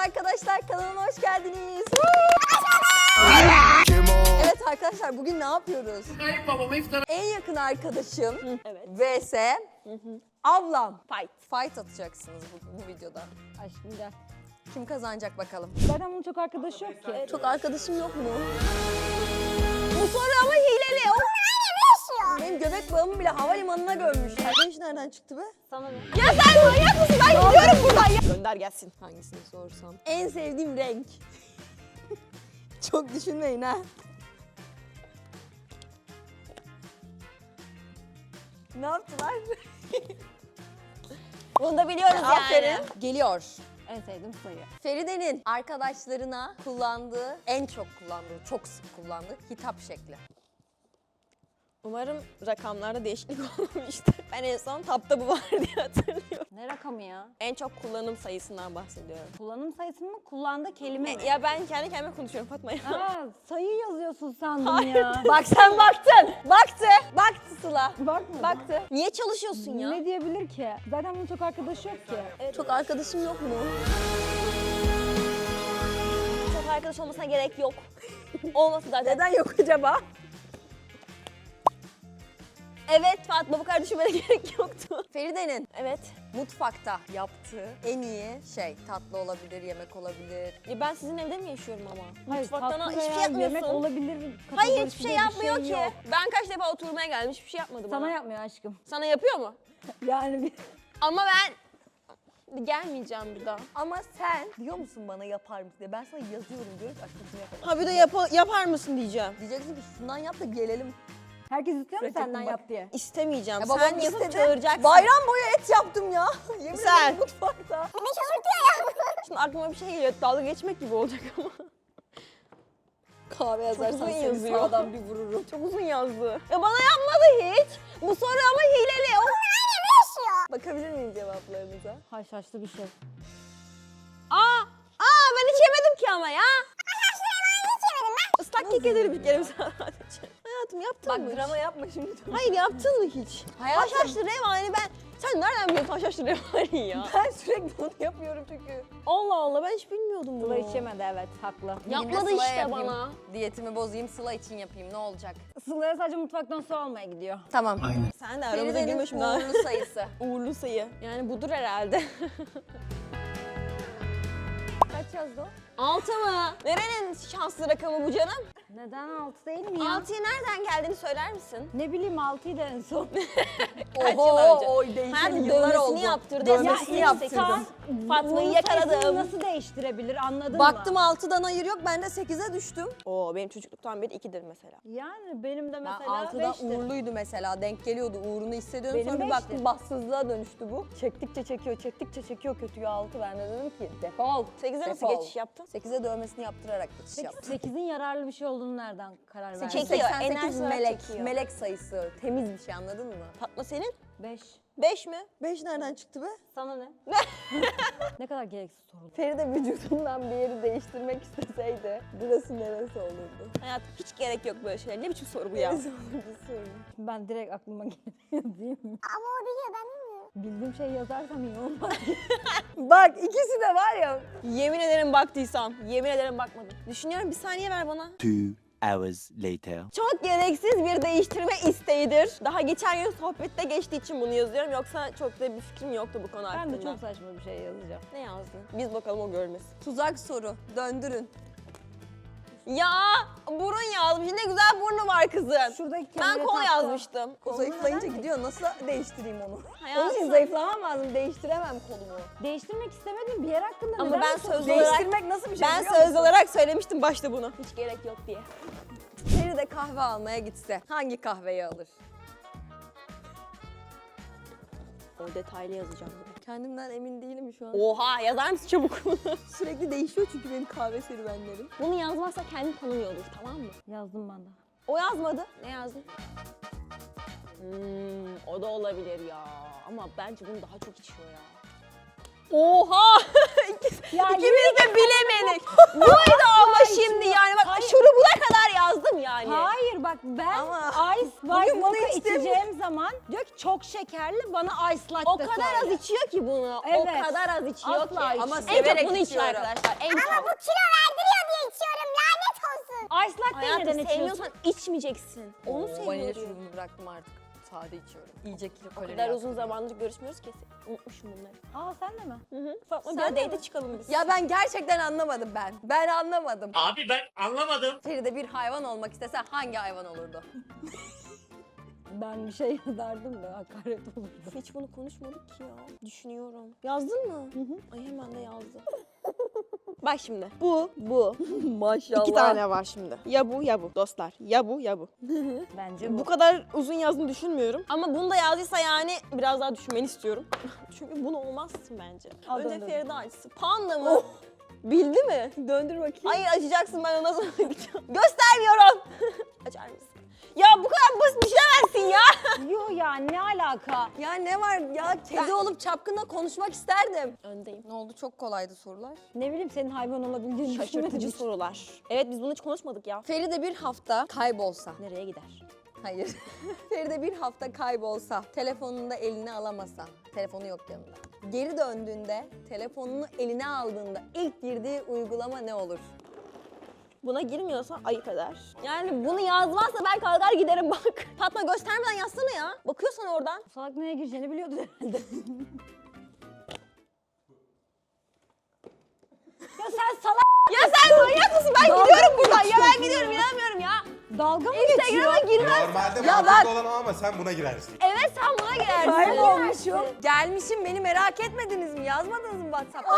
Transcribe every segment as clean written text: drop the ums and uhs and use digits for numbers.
arkadaşlar, kanalıma hoş geldiniz. Evet arkadaşlar, bugün ne yapıyoruz? En yakın arkadaşım vs ablam. Fight atacaksınız bu videoda. Aşkım gel. Kim kazanacak bakalım? Zaten bunun çok arkadaşı yok ki. Çok arkadaşım yok mu? Bu soru ama hileli. Benim göbek bağımı bile havalimanına gömmüşler. Bu iş nereden çıktı be? Sana ne? Ya sen manyak mısın? Ben gidiyorum buradan ya. Gönder gelsin. Hangisini sorsam? En sevdiğim renk. Çok düşünmeyin ha. Ne yaptılar? Bunu da biliyoruz yani. Geliyor. En sevdiğim sayı. Feride'nin arkadaşlarına kullandığı, en çok kullandığı, çok sık kullandığı hitap şekli. Umarım rakamlarda değişiklik olmamıştır. Ben en son tapta bu var diye hatırlıyorum. Ne rakamı ya? En çok kullanım sayısından bahsediyorum. Kullanım sayısı mı? Kullandığı kelime mi? Ya ben kendi kendime konuşuyorum Fatma ya. Aa, sayı yazıyorsun sandım ya. Bak sen baktın. Baktı Sıla. Bakma. Baktı. Niye çalışıyorsun ya? Ne diyebilir ki? Zaten bunun çok arkadaşı yok ki. Çok arkadaşım yok mu? Çok arkadaş olmasına gerek yok. Olması zaten. Neden yok acaba? Evet Fatma, bu kadar düşünmene gerek yoktu. Feride'nin Evet. mutfakta yaptığı en iyi şey, tatlı olabilir, yemek olabilir. Ya ben sizin evde mi yaşıyorum ama? Hayır, Mutfaktan tatlı hiçbir şey veya yapmıyorsun. yemek olabilir. Hayır, kategorisi hiçbir şey diye bir yapmıyor ki. yok. Ben kaç defa oturmaya geldim, hiçbir şey yapmadı bana. Sana yapmıyor aşkım. Sana yapıyor mu? Yani bir... Ama ben gelmeyeceğim bir daha. Ama sen diyor musun bana yapar mısın diye. Ben sana yazıyorum diyorum ki aşkım şunu yapalım. Ha bir de yapar mısın diyeceğim. Diyeceksin ki şundan yap da gelelim. Herkes istiyor mu Sürekli senden bak- yap diye? İstemeyeceğim. Ya babam Sen yapıp istedi. çağıracaksın. Bayram boyu et yaptım ya. Yemin Sen. ederim mutfakta. Şimdi aklıma bir şey geliyor. Dalga geçmek gibi olacak ama. Kahve yazarsan uzun seni yazıyor. sağdan bir vururum. Çok uzun yazdı. Ya bana yapmadı hiç. Bu soru ama hileli. O Bakabilir miyim cevaplarınıza? Haşhaşlı bir şey. ben hiç yemedim ki ama ya. Islak kek ederim bir kere sadece. Hayatım yaptın Bak mı hiç? drama yapma şimdi. Hayır yaptın mı hiç? Hayatım. Haşhaşlı revani ben... Sen nereden biliyorsun haşhaşlı revani ya? Ben sürekli onu yapıyorum çünkü. Allah Allah ben hiç bilmiyordum bunu. Sıla hiç yemedi, evet, haklı. Yapmadı Bir de Sıla'ya işte yapayım. bana. Diyetimi bozayım, Sıla için yapayım. Ne olacak? Sıla'ya sadece mutfaktan su almaya gidiyor. Tamam. Sen de aramıza Feride'nin girme şimdi. ha. uğurlu sayısı. Uğurlu sayı. Yani budur herhalde. Kaç yazdı o? 6 mı? Nerenin şanslı rakamı bu canım? Neden 6 değil mi ya? 6'ya nereden geldiğini söyler misin? Ne bileyim 6'yı da en son. Kaç yıl Oho, önce? oy değişti. Hayatım Yıllar dövmesini oldu. yaptırdı. Dövmesini Ya yaptırdım. insan Fatma'yı Bunun yakaladım. sayısını nasıl değiştirebilir, anladın Baktım mı? 6'dan hayır yok, ben de 8'e düştüm. Oo benim çocukluktan beri 2'dir mesela. Yani benim de Ben mesela 6'da 5'tir. uğurluydu mesela, denk geliyordu, uğrunu hissediyordum. Benim Sonra bir baktım beşti. bahtsızlığa dönüştü bu. Çektikçe çekiyor kötüye 6. Ben de dedim ki defol. 8'e nasıl defol. geçiş yaptın? 8'e dövmesini yaptırarak geçiş Peki yaptım. 8'in yararlı bir şey olduğunu nereden karar verdin? Çekiyor, 88 enerji olarak melek, çekiyor. melek sayısı. Temiz bir şey, anladın mı? Fatma senin? 5. 5 mi? 5 nereden çıktı be? Sana ne? Ne kadar gereksiz soru. Feride vücudundan bir yeri değiştirmek isteseydi burası neresi olurdu? Hayatım hiç gerek yok böyle şeyler. Ne biçim soru bu ya? Neresi olurdu sorun. Ben direkt aklıma geliyor değil mi? Ama o biliyor, ben bilmiyorum. Bildiğim şeyi yazarsam iyi olmaz. Bak ikisi de var ya. Yemin ederim baktıysam. Yemin ederim bakmadım. Düşünüyorum, bir saniye ver bana. 2 hours later. Çok gereksiz bir değiştirme isteğidir. Daha geçen gün sohbette geçtiği için bunu yazıyorum. Yoksa çok da bir fikrim yoktu bu konu hakkında. Ben de çok saçma bir şey yazacağım. Ne yazdın? Biz bakalım o görmesin. Tuzak soru. Döndürün. Ya burun yazmış. Ne güzel burnu var kızın. Şuradaki Ben kemere kol taktı. yazmıştım. O zayıflayınca gidiyor. Nasıl değiştireyim onu? Hayatım. Onun için zayıflamam lazım. Değiştiremem kolumu. Değiştirmek istemedim bir yer hakkında. Ama neden ben bu soru- söz olarak Değiştirmek nasıl bir şey ben biliyor söz musun? olarak söylemiştim başta bunu. Hiç gerek yok diye. Feride kahve almaya gitse hangi kahveyi alır? O detaylı yazacağım. Kendimden emin değilim şu an. Oha, yazar mısın çabuk bunu? Sürekli değişiyor çünkü benim kahve serüvenlerim. Bunu yazmazsa kendini tanımıyor olur, tamam mı? Yazdım ben de. O yazmadı. Ne yazdın? O da olabilir ya. Ama bence bunu daha çok içiyor ya. Oha! İkimiz de bilemedik. Buydu ama şimdi yani bak şurubuna kadar yazdım yani. Hayır bak ben Ama Ice bugün White bunu Mocha içtim. içeceğim zaman diyor ki çok şekerli, bana ice latte O kadar az içiyor ki bunu. Evet. O kadar az içiyor Asla ki. içmiyor. Ama En çok severek bunu içiyor içiyorum. arkadaşlar. En Ama çok. bu kilo verdiriyor diye içiyorum. Lanet olsun. Ice latte neden Hayatım içiyorsun? sevmiyorsan içmeyeceksin. Onu Vanilya seviyorum. şurubunu bıraktım artık. Sade içiyorum. İyice kilo O kalori kadar yaktım. uzun zamandır görüşmüyoruz ki. Unutmuşum bunları. Aa sen de mi? Fatma Sen bir de date çıkalım biz. Ya ben gerçekten anlamadım ben. Ben anlamadım. Abi ben anlamadım. Feride bir hayvan olmak istese hangi hayvan olurdu? Ben bir şey yazardım da hakaret olurdu. Hiç bunu konuşmadık ki ya. Düşünüyorum. Yazdın mı? Ay hemen de yazdım. Bak şimdi. Bu. Maşallah. 2 tane var şimdi. Ya bu ya bu dostlar. Ya bu ya bu. Bence bu. Bu kadar uzun yazdığını düşünmüyorum. Ama bunu da yazdıysa yani biraz daha düşünmeni istiyorum. Çünkü bunu olmazsın bence. Al, Önce döndür. Feride açsın. Panda mı? Bildi mi? Döndür bakayım. Hayır açacaksın, ben ona sonra gideceğim. Göstermiyorum. Açar mısın? Ya bu kadar basit düşemezsin ya. Yo ya ne alaka? Ya ne var ya? Kedi olup çapkınla konuşmak isterdim. Öndeyim. Ne oldu? Çok kolaydı sorular. Ne bileyim senin hayvan olabildiğini Şaşırtıcı düşünmedim. sorular. Evet biz bunu hiç konuşmadık ya. Feride bir hafta kaybolsa. Nereye gider? Hayır. Feride bir hafta kaybolsa, telefonunu da eline alamasa, telefonu yok yanında. Geri döndüğünde, telefonunu eline aldığında ilk girdiği uygulama ne olur? Buna girmiyorsa ayıp eder. Yani bunu yazmazsa ben kalkar giderim bak. Fatma göstermeden yazsana ya. Bakıyorsan oradan. Salak neye gireceğini biliyordu herhalde. Ya sen salak Ya sen manyak mısın? Ben gidiyorum buradan. Ya ben gidiyorum, inanmıyorum ya. dalga mı Instagram'a geçiyor? girmez. Normalde Ya mantıklı bak- olan o ama sen buna girersin. Evet sen buna girersin. Kaybolmuşum. Gelmişim, beni merak etmediniz mi? Yazmadınız mı WhatsApp'ta?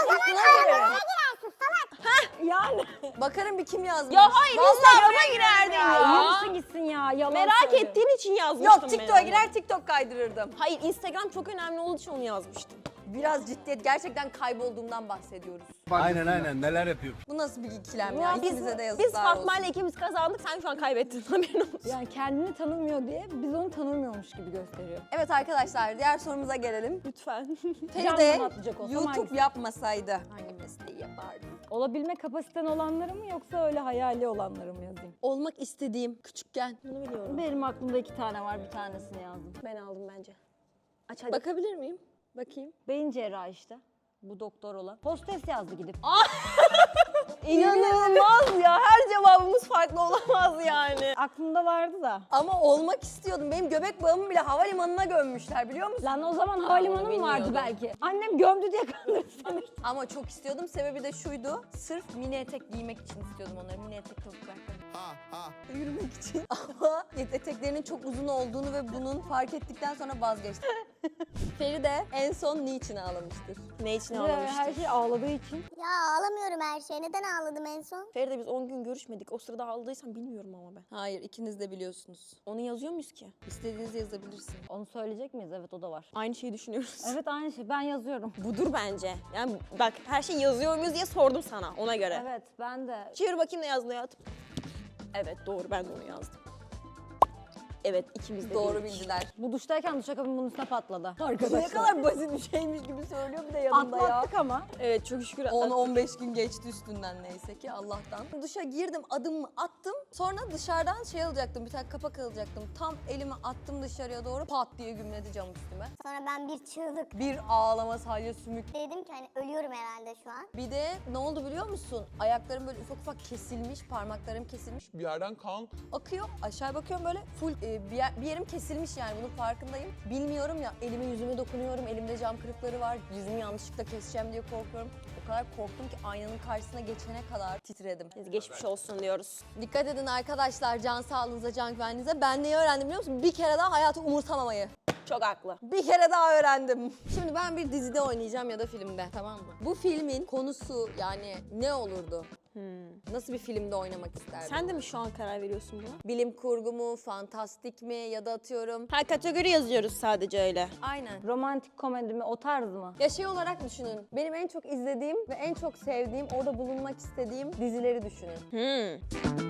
Yani. Bakarım bir kim yazmış. Ya hayır Vallahi Instagram'a girerdin ya. Yürüsün gitsin ya. Yalan Merak söylüyor. ettiğin için yazmıştım Yok, ben TikTok'a onu. girer TikTok kaydırırdım. Hayır Instagram çok önemli olduğu için onu yazmıştım. Biraz ciddiyet, gerçekten kaybolduğumdan bahsediyoruz. Aynen neler yapıyor. Bu nasıl bir ikilem Ya ya? İkimize de yazıklar biz Fatma olsun. ile ikimiz kazandık, sen şu an kaybettin. Haberin olsun. Yani kendini tanımıyor diye biz onu tanımıyormuş gibi gösteriyor. Evet arkadaşlar, diğer sorumuza gelelim. Lütfen. Feride Canım atlayacak olsam YouTube hangisi? yapmasaydı hangi mesleği yapardı? Olabilme kapasiten olanları mı yoksa öyle hayali olanları mı yazayım? Olmak istediğim küçükken. Bunu biliyorum. Benim aklımda 2 tane var, bir tanesini yazdım. Ben aldım bence. Aç hadi. Bakabilir miyim? Bakayım. Beyin cerrahı işte. Bu doktor olan. Hostes yazdı gidip. İnanılmaz ya. Her cevabımız farklı olamaz yani. Aklımda vardı da. Ama olmak istiyordum. Benim göbek bağımı bile havalimanına gömmüşler, biliyor musun? Lan o zaman havalimanı mı vardı bilmiyordum. belki? Annem gömdü diye kandırdı seni. Ama çok istiyordum. Sebebi de şuydu. Sırf mini etek giymek için istiyordum onları. Mini etek topuklar. Yürümek için. Ama eteklerinin çok uzun olduğunu ve bunun fark ettikten sonra vazgeçtim. Feride en son niçin ağlamıştır? Ne için Her ağlamıştık? şey ağladığı için. Ya ağlamıyorum her şeye. Neden ağladım en son? Feride biz 10 gün görüşmedik. O sırada ağladıysan bilmiyorum ama ben. Hayır, ikiniz de biliyorsunuz. Onu yazıyor muyuz ki? İstediğinizi yazabilirsiniz. Onu söyleyecek miyiz? Evet o da var. Aynı şeyi düşünüyoruz. Evet aynı şey. Ben yazıyorum. Budur bence. Yani bak her şey yazıyor muyuz diye sordum sana ona göre. Evet ben de. Çevir bakayım ne yazdın hayatım. Evet doğru, ben de onu yazdım. Evet ikimiz de Doğru bildik. bildiler. Bu duştayken duşakabin bunun üstüne patladı. Ne kadar basit bir şeymiş gibi söylüyor bir de yanında ya. Atlattık ama. Evet çok şükür. 10-15 gün geçti üstünden neyse ki Allah'tan. Duşa girdim, adımımı attım. Sonra dışarıdan şey alacaktım, bir tane kapak alacaktım. Tam elimi attım dışarıya doğru, pat diye gümledi cam üstüme. Sonra ben bir çığlık Bir ağlama, salya sümük. dedim ki hani ölüyorum herhalde şu an. Bir de ne oldu biliyor musun? Ayaklarım böyle ufak ufak kesilmiş, parmaklarım kesilmiş. Bir yerden kan. Akıyor, aşağı bakıyorum böyle full bir yerim kesilmiş yani, bunun farkındayım. Bilmiyorum ya, elime yüzüme dokunuyorum, elimde cam kırıkları var. Yüzümü yanlışlıkla keseceğim diye korkuyorum. O kadar korktum ki aynanın karşısına geçene kadar titredim. Biz geçmiş olsun diyoruz. Dikkat edin arkadaşlar, can sağlığınıza, can güvenliğinize. Ben neyi öğrendim biliyor musun? Bir kere daha hayatı umursamamayı. Çok haklı. Bir kere daha öğrendim. Şimdi ben bir dizide oynayacağım ya da filmde, tamam mı? Bu filmin konusu yani ne olurdu? Nasıl bir filmde oynamak isterdin? Sen de mi şu an karar veriyorsun buna? Bilim kurgu mu, fantastik mi ya da atıyorum... Her kategori yazıyoruz sadece öyle. Aynen. Romantik komedi mi? O tarz mı? Ya şey olarak düşünün. Benim en çok izlediğim ve en çok sevdiğim, orada bulunmak istediğim dizileri düşünün.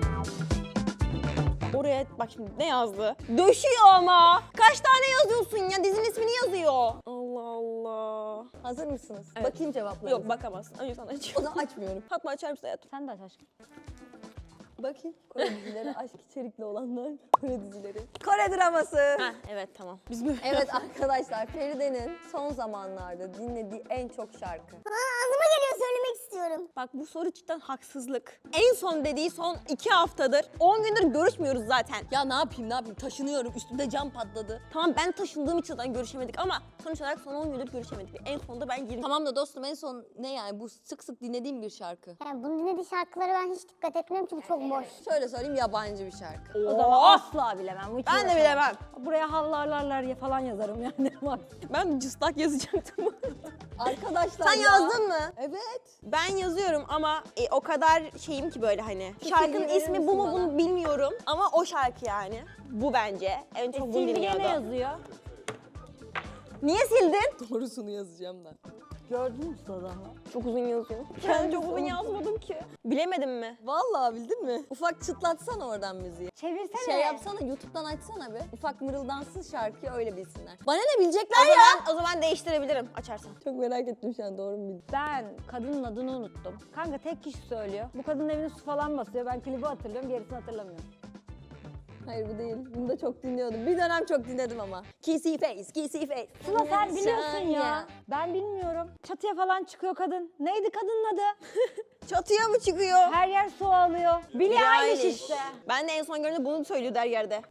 Oraya bak şimdi ne yazdı? Döşüyor ama. Kaç tane yazıyorsun ya? Dizinin ismini yazıyor. Allah Allah. Hazır mısınız? Evet. Bakayım cevaplarınıza. Yok bakamazsın. Önce sana O açıyorum. zaman açmıyorum. Fatma açar mısın hayatım? Sen de aç aşkım. Bakayım. Kore dizileri, aşk içerikli olanlar. Kore dizileri. Kore draması. Heh, evet tamam. Biz böyle... Evet arkadaşlar, Feride'nin son zamanlarda dinlediği en çok şarkı. Ağzıma geliyor, söylemek istiyorum. Bak bu soru cidden haksızlık. En son dediği son 2 haftadır. 10 gündür görüşmüyoruz zaten. Ya ne yapayım, taşınıyorum, üstümde cam patladı. Tamam ben taşındığım için zaten görüşemedik ama sonuç olarak son 10 gündür görüşemedik. En sonunda ben 20... Tamam da dostum, en son ne yani, bu sık sık dinlediğim bir şarkı. Yani bunu dinlediği şarkılara ben hiç dikkat etmiyorum çünkü çok boş. Şöyle söyleyeyim, yabancı bir şarkı. O zaman asla bilemem. Hiç Ben de uğraşamam. bilemem. Buraya havlarlarlar falan yazarım yani. Bak. Ben cıstak yazacaktım. Arkadaşlar Sen ya. yazdın mı? Evet. Ben yazıyorum ama o kadar şeyim ki böyle hani. Şarkının verir ismi bu mu misin bana? bunu bilmiyorum ama o şarkı yani. Bu bence. En çok bunu Sildiğine ne dinliyordu. yazıyor? Niye sildin? Doğrusunu yazacağım da. Gördün mü Sıla'dan? Çok uzun yazıyor. Ben çok uzun yazmadım ki. Bilemedim mi? Vallahi bildin mi? Ufak çıtlatsana oradan müziği. Çevirsene. Şey yapsana, YouTube'dan açsana bir. Ufak mırıldansın şarkıyı, öyle bilsinler. Bana ne bilecekler O ya? zaman, o zaman değiştirebilirim açarsan. Çok merak ettim şu an, doğru mu bildim? Ben kadının adını unuttum. Kanka tek kişi söylüyor. Bu kadının evine su falan basıyor. Ben klibi hatırlıyorum, gerisini hatırlamıyorum. Hayır, bu değil. Bunu da çok dinliyordum. Bir dönem çok dinledim ama. Kissy face, kissy face. Sıla sen biliyorsun ya. Ben bilmiyorum. Çatıya falan çıkıyor kadın. Neydi kadının adı? Çatıya mı çıkıyor? Her yer su alıyor. Billie Eilish işte. Ben de en son gördüğümde bunu söylüyordu her yerde.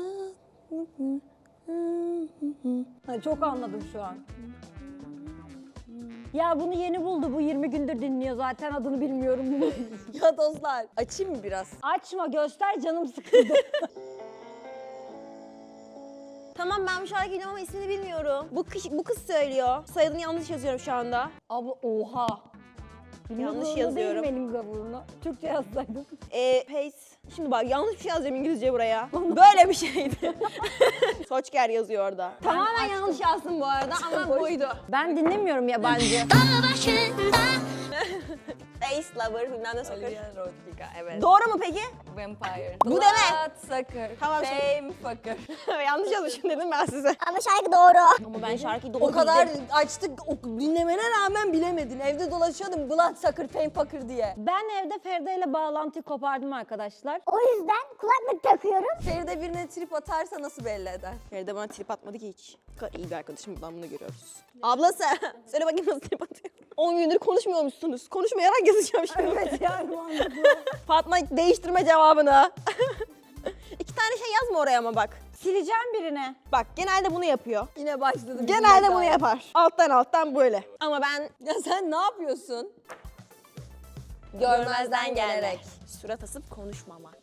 Ha, çok anladım şu an. Ya bunu yeni buldu. Bu 20 gündür dinliyor zaten, adını bilmiyorum. Ya dostlar, açayım mı biraz? Açma, göster, canım sıkıldı. Tamam ben bu şarkıyı biliyorum ama ismini bilmiyorum. Bu kız söylüyor. Soyadını yanlış yazıyorum şu anda. Abla oha. Yanlış yazıyorum. Değil benim gavurunu. Türkçe yazsaydım. Pace. Şimdi bak yanlış bir şey yazacağım İngilizce buraya. Böyle bir şeydi. Soçker yazıyor orada. Tamamen yanlış yazdım bu arada ama buydu. Ben dinlemiyorum yabancı. Face Lover bilmem ne soccer. Olivia Rodrigo, evet. Doğru mu peki? Vampire. Bu deme. Bloodsucker. Tamam, Fame fucker. Yanlış yazmışım dedim ben size. Ama şarkı doğru. Ama ben şarkıyı doğru O kadar bildim. açtık, dinlemene rağmen bilemedin. Evde dolaşıyordum Bloodsucker, Fame fucker diye. Ben evde Feride ile bağlantıyı kopardım arkadaşlar. O yüzden kulaklık takıyorum. Feride birine trip atarsa nasıl belli eder? Feride bana trip atmadı ki hiç. Ne kadar iyi bir arkadaşım, buradan bunu görüyoruz. Ablası söyle bakayım nasıl trip atıyor. 10 gündür konuşmuyormuşsunuz. Konuşmayarak yazacağım şimdi. Evet yani mantıklı. Fatma değiştirme cevabını. 2 tane şey yazma oraya ama bak. Sileceğim birine. Bak genelde bunu yapıyor. Yine başladım. Genelde bunu yapar. Alttan böyle. Ama ben Ya sen ne yapıyorsun? görmezden gelerek. Surat asıp konuşmamak.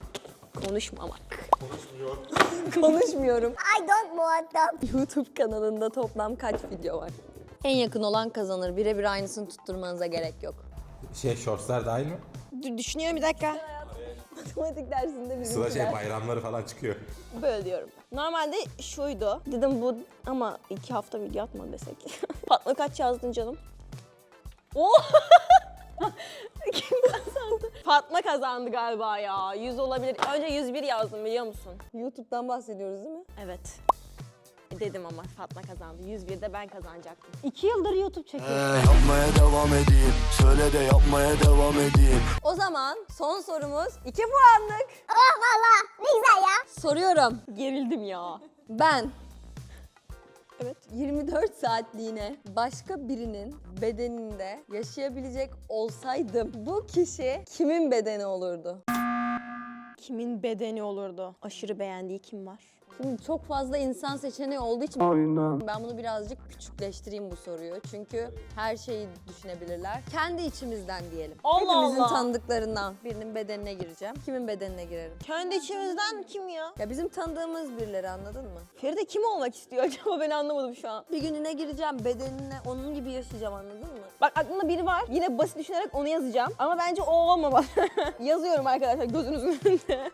Konuşmuyorum. I don't muhatap. YouTube kanalında toplam kaç video var? En yakın olan kazanır. Birebir aynısını tutturmanıza gerek yok. Shortslar dahil mi? Düşünüyorum bir dakika. Matematik dersinde Sıla bizimkiler. bayramları falan çıkıyor. Böyle diyorum. Normalde şuydu. Dedim bu ama 2 hafta video atma desek. Fatma kaç yazdın canım? Oh! Kim kazandı? Fatma kazandı galiba ya. 100 olabilir. Önce 101 yazdım biliyor musun? YouTube'dan bahsediyoruz değil mi? Evet. Dedim ama Fatma kazandı. 101'de ben kazanacaktım. 2 yıldır YouTube çekiyorum. Yapmaya devam edeyim. Söyle de yapmaya devam edeyim. O zaman son sorumuz 2 puanlık. Oh valla ne güzel ya. Soruyorum. Gerildim ya. Ben Evet. 24 saatliğine başka birinin bedeninde yaşayabilecek olsaydım bu kişi kimin bedeni olurdu? Kimin bedeni olurdu? Aşırı beğendiği kim var? Şimdi çok fazla insan seçeneği olduğu için ben bunu birazcık küçükleştireyim bu soruyu. Çünkü her şeyi düşünebilirler. Kendi içimizden diyelim. Allah Hepimizin Allah. tanıdıklarından birinin bedenine gireceğim. Kimin bedenine girerim? Kendi içimizden kim ya? Ya bizim tanıdığımız birileri, anladın mı? Feride kim olmak istiyor acaba? Ben anlamadım şu an. Bir gününe gireceğim, bedenine onun gibi yaşayacağım, anladın mı? Bak aklımda biri var. Yine basit düşünerek onu yazacağım. Ama bence o olmamalı. Yazıyorum arkadaşlar gözünüzün önünde.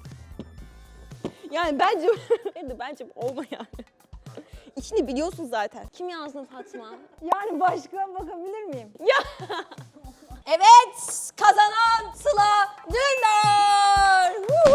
Yani bence olma yani. İçini biliyorsun zaten. Kim yazdın Fatma? Yani başka bakabilir miyim? Evet, kazanan Sıla Dündar.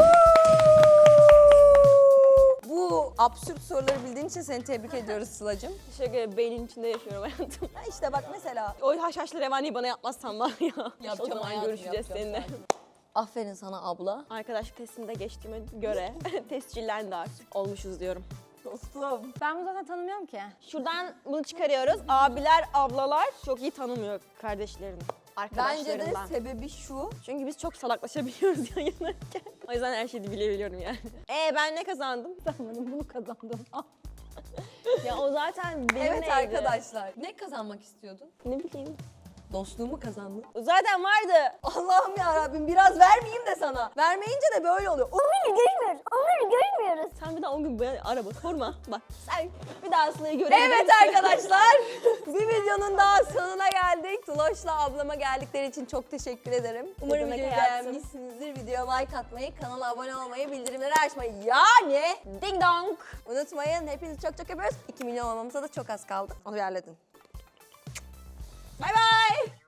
Bu absürt soruları bildiğin için seni tebrik ediyoruz Sıla'cığım. Teşekkür ederim. Beynin içinde yaşıyorum hayatım. Ha işte bak mesela. O haşhaşlı revaniyi bana yapmazsan var ya. Yapacağım o zaman hayatım, görüşeceğiz yapacağım seninle. zaten. Aferin sana abla. Arkadaşlık testinde geçtiğime göre tescillendi artık. Olmuşuz diyorum. Dostum. Ben bunu zaten tanımıyorum ki. Şuradan bunu çıkarıyoruz. Abiler, ablalar çok iyi tanımıyor kardeşlerini. Bence de Arkadaşlarından. sebebi şu. Çünkü biz çok salaklaşabiliyoruz yayınlarken. O yüzden her şeyi bilebiliyorum yani. Ben ne kazandım? Kazanmadım, bunu kazandım. Ya o zaten benim Evet neydi? arkadaşlar. Ne kazanmak istiyordun? Ne bileyim. Dostluğumu kazandın. Zaten vardı. Allah'ım ya Rabbim biraz vermeyeyim de sana. Vermeyince de böyle oluyor. Onları görmüyoruz. Onları görmüyoruz. Sen bir daha o gün beni araba sorma. Bak sen bir daha Sıla'yı görebilir Evet misin? arkadaşlar. Bir videonun daha sonuna geldik. Tuloş'la ablama geldikleri için çok teşekkür ederim. Umarım demek videoyu hayatım. beğenmişsinizdir. Videoya like atmayı, kanala abone olmayı, bildirimleri açmayı yani Ding dong. unutmayın. Hepinizi çok çok öpüyoruz. 2 milyon olmamıza da çok az kaldı. Onu bir halledin. Bay bay.